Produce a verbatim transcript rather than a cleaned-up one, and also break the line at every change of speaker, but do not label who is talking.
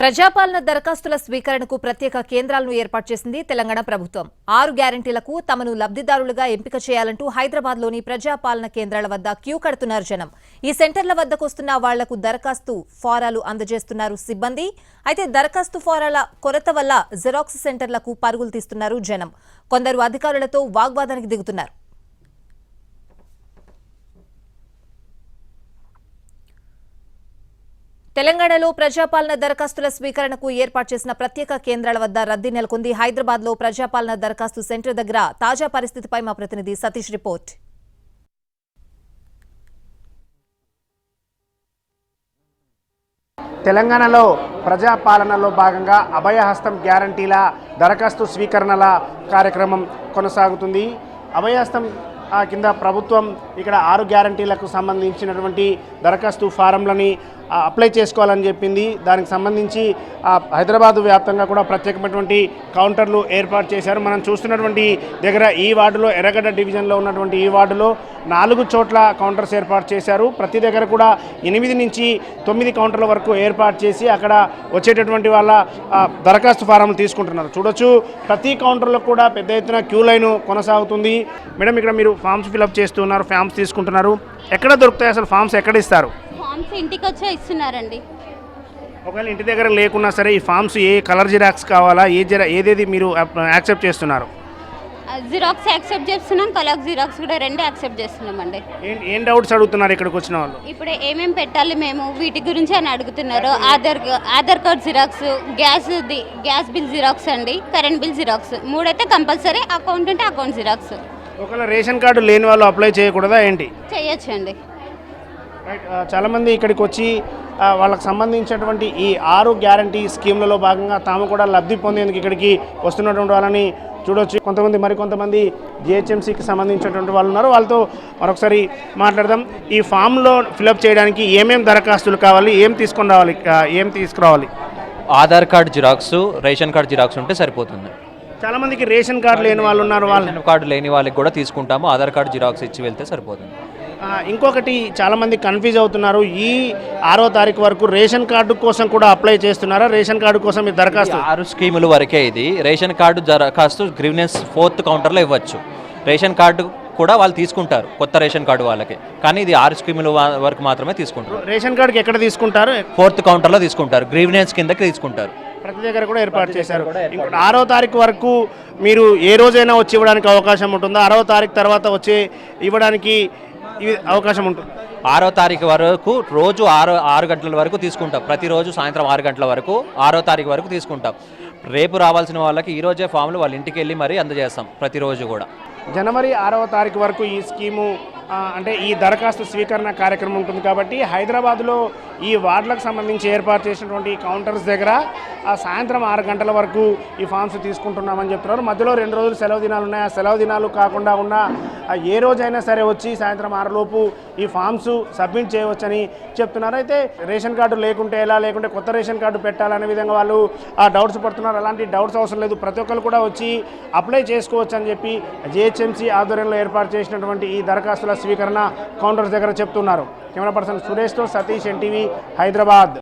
ప్రజాపాలన దరఖాస్తుల స్వీకరణకు ప్రత్యేక కేంద్రాలను ఏర్పాటు చేసింది తెలంగాణ ప్రభుత్వం. ఆరు గ్యారెంటీలకు తమను లబ్ధిదారులుగా ఎంపిక చేయాలంటూ హైదరాబాద్లోని ప్రజాపాలన కేంద్రాల వద్ద క్యూ కడుతున్నారు జనం. ఈ సెంటర్ల వద్దకు వస్తున్న వాళ్లకు దరఖాస్తు ఫారాలు అందజేస్తున్నారు సిబ్బంది. అయితే దరఖాస్తు ఫారాల కొరత వల్ల జిరాక్స్ సెంటర్లకు పరుగులు తీస్తున్నారు జనం. కొందరు అధికారులతో వాగ్వాదానికి దిగుతున్నారు. తెలంగాణలో ప్రజాపాలన దరఖాస్తుల స్వీకరణకు ఏర్పాటు చేసిన ప్రత్యేక కేంద్రాల వద్ద రద్దీ నెలకొంది. హైదరాబాద్ లో ప్రజాపాలన దరఖాస్తు సెంటర్ దగ్గర తాజా పరిస్థితిపై మా ప్రతినిధి సతీష్ రిపోర్ట్.
తెలంగాణలో ప్రజాపాలనలో భాగంగా అభయహస్తం గ్యారంటీల దరఖాస్తు స్వీకరణల కార్యక్రమం కొనసాగుతుంది. అభయహస్తం కింద ప్రభుత్వం ఇక్కడ ఆరు గ్యారంటీలకు సంబంధించినటువంటి దరఖాస్తు ఫారంలని అప్లై చేసుకోవాలని చెప్పింది. దానికి సంబంధించి హైదరాబాద్ వ్యాప్తంగా కూడా ప్రత్యేకమైనటువంటి కౌంటర్లు ఏర్పాటు చేశారు. మనం చూస్తున్నటువంటి దగ్గర ఈ వార్డులో ఎర్రగడ్డ డివిజన్లో ఉన్నటువంటి ఈ వార్డులో నాలుగు చోట్ల కౌంటర్స్ ఏర్పాటు చేశారు. ప్రతి దగ్గర కూడా ఎనిమిది నుంచి తొమ్మిది కౌంటర్ల వరకు ఏర్పాటు చేసి అక్కడ వచ్చేటటువంటి వాళ్ళ దరఖాస్తు ఫారంలు తీసుకుంటున్నారు. చూడొచ్చు, ప్రతి కౌంటర్లో కూడా పెద్ద ఎత్తున క్యూ లైన్ కొనసాగుతుంది. మేడం, ఇక్కడ మీరు ఫామ్స్ ఫిల్అప్ చేస్తున్నారు, ఫామ్స్ తీసుకుంటున్నారు. ఎక్కడ దొరుకుతాయి అసలు ఫామ్స్? ఎక్కడ ఇస్తారు?
ఫామ్స్ ఇంటికి వచ్చే ఇస్తున్నారండి.
ఒకవేళ ఇంటి దగ్గర లేకున్నా సరే ఈ ఫామ్స్ ఏ కలర్ జిరాక్స్ కావాలా, ఏ జిరా ఏదేది మీరు యాక్సెప్ట్ చేస్తున్నారు?
జిరాక్స్ యాక్సెప్ట్ చేస్తున్నాం, కలర్ జిరాక్స్ కూడా రెండు యాక్సెప్ట్ చేస్తున్నామండి.
ఏం డౌట్స్ అడుగుతున్నారు ఇక్కడికి వచ్చిన వాళ్ళు?
ఇప్పుడు ఏమేమి పెట్టాలి మేము వీటి గురించి అని అడుగుతున్నారు. Aadhaar Aadhaar card xerox, gas gas bill xerox అండి, కరెంట్ బిల్ జిరాక్స్ మూడైతే కంపల్సరీ. అకౌంట్ అంటే అకౌంట్ జిరాక్స్.
ఒకవేళ రేషన్ కార్డు లేని వాళ్ళు అప్లై చేయకూడదా ఏంటి?
చేయొచ్చండి.
చాలామంది ఇక్కడికి వచ్చి వాళ్ళకి సంబంధించినటువంటి ఈ ఆరు గ్యారంటీ స్కీమ్లలో భాగంగా తాము కూడా లబ్ధి పొందేందుకు ఇక్కడికి వస్తున్నటువంటి వాళ్ళని చూడవచ్చు. కొంతమంది మరికొంతమంది జిహెచ్ఎంసీకి సంబంధించినటువంటి వాళ్ళు ఉన్నారు. వాళ్ళతో మరొకసారి మాట్లాడదాం. ఈ ఫామ్లో ఫిలప్ చేయడానికి ఏమేమి దరఖాస్తులు కావాలి, ఏం తీసుకొని రావాలి, ఏం తీసుకురావాలి?
Aadhaar card xerox, ration card xerox ఉంటే సరిపోతుంది.
చాలా మందికి రేషన్ కార్డు లేని వాళ్ళు ఉన్నారు.
రేషన్ కార్డు లేని వాళ్ళకి కూడా తీసుకుంటాము. ఆధార్ కార్డు జిరాక్స్ ఇచ్చి వెళ్తే సరిపోతుంది.
ఇంకొకటి, చాలామంది కన్ఫ్యూజ్ అవుతున్నారు. ఈ ఆరో తారీఖు వరకు రేషన్ కార్డు కోసం కూడా అప్లై చేస్తున్నారా? రేషన్ కార్డు కోసం ఈ దరఖాస్తు
ఆరు స్కీముల వరకే ఇది. రేషన్ కార్డు దరఖాస్తు గ్రీవెన్స్ ఫోర్త్ కౌంటర్లో ఇవ్వచ్చు. రేషన్ కార్డు కూడా వాళ్ళు తీసుకుంటారు, కొత్త రేషన్ కార్డు వాళ్ళకి. కానీ ఇది ఆరు స్కీముల వరకు మాత్రమే తీసుకుంటారు.
రేషన్ కార్డుకి ఎక్కడ తీసుకుంటారు?
ఫోర్త్ కౌంటర్లో తీసుకుంటారు, గ్రీవెన్స్ కిందకి తీసుకుంటారు.
ప్రతి దగ్గర కూడా ఏర్పాటు చేశారు. ఆరో తారీఖు వరకు మీరు ఏ రోజైనా వచ్చి ఇవ్వడానికి అవకాశం ఉంటుందా? ఆరో తారీఖు తర్వాత వచ్చి ఇవ్వడానికి అవకాశం ఉంటుంది?
ఆరో తారీఖు వరకు రోజు ఆరు ఆరు గంటల వరకు తీసుకుంటాం. ప్రతిరోజు సాయంత్రం ఆరు గంటల వరకు ఆరో తారీఖు వరకు తీసుకుంటాం. రేపు రావాల్సిన వాళ్ళకి ఈరోజే ఫామ్లు వాళ్ళ ఇంటికి వెళ్ళి మరీ అందజేస్తాం ప్రతిరోజు కూడా.
జనవరి ఆరవ తారీఖు వరకు ఈ స్కీము అంటే ఈ దరఖాస్తు స్వీకరణ కార్యక్రమం ఉంటుంది. కాబట్టి హైదరాబాద్లో ఈ వార్డులకు సంబంధించి ఏర్పాటు చేసినటువంటి కౌంటర్స్ దగ్గర సాయంత్రం ఆరు గంటల వరకు ఈ ఫామ్స్ తీసుకుంటున్నామని చెప్తున్నారు. మధ్యలో రెండు రోజులు సెలవు దినాలు ఉన్నాయి. ఆ సెలవు దినాలు కాకుండా ఉన్న ఏ రోజైనా సరే వచ్చి సాయంత్రం ఆరులోపు ఈ ఫామ్స్ సబ్మిట్ చేయవచ్చని చెప్తున్నారు. అయితే రేషన్ కార్డు లేకుంటే ఎలా, లేకుంటే కొత్త రేషన్ కార్డు పెట్టాలనే విధంగా వాళ్ళు ఆ డౌట్స్ పడుతున్నారు. అలాంటి డౌట్స్ అవసరం లేదు, ప్రతి ఒక్కరు కూడా వచ్చి అప్లై చేసుకోవచ్చు అని చెప్పి జిహెచ్ఎంసీ ఆధ్వర్యంలో ఏర్పాటు చేసినటువంటి ఈ దరఖాస్తుల స్వీకరణ కౌంటర్స్ దగ్గర చెప్తున్నారు. కెమెరా పర్సన్ సురేష్తో సతీష్, ఎన్టీవీ, హైదరాబాద్.